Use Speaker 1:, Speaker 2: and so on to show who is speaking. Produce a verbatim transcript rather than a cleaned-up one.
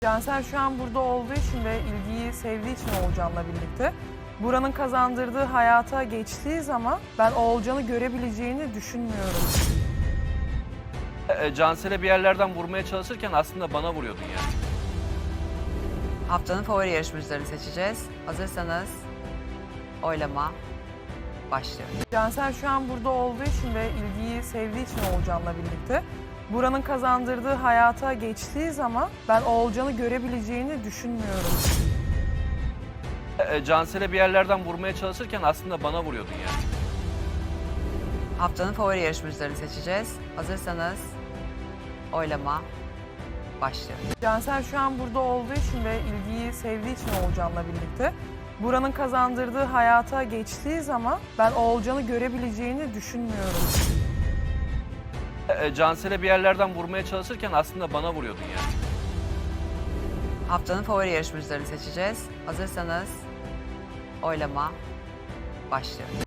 Speaker 1: Cansel şu an burada olduğu için ve ilgiyi sevdiği için Oğulcan'la birlikte. Buranın kazandırdığı hayata geçtiği zaman ben Oğulcan'ı görebileceğini düşünmüyorum.
Speaker 2: E, Cansel'e bir yerlerden vurmaya çalışırken aslında bana vuruyordun yani.
Speaker 3: Haftanın favori yarışmacılarını seçeceğiz. Hazırsanız oylama başlıyor.
Speaker 1: Cansel şu an burada olduğu için ve ilgiyi sevdiği için Oğulcan'la birlikte. Buranın kazandırdığı hayata geçtiği zaman ben Oğulcan'ı görebileceğini düşünmüyorum.
Speaker 2: E, Cansel'e bir yerlerden vurmaya çalışırken aslında bana vuruyordun yani.
Speaker 3: Haftanın favori yarışmacılarını seçeceğiz. Hazırsanız oylama başlıyor.
Speaker 1: Cansel şu an burada olduğu için ve ilgiyi sevdiği için Oğulcan'la birlikte. Buranın kazandırdığı hayata geçtiği zaman ben Oğulcan'ı görebileceğini düşünmüyorum.
Speaker 2: E, Cansel'e bir yerlerden vurmaya çalışırken aslında bana vuruyordun yani.
Speaker 3: Haftanın favori yarışmacılarını seçeceğiz. Hazırsanız oylama başlıyor.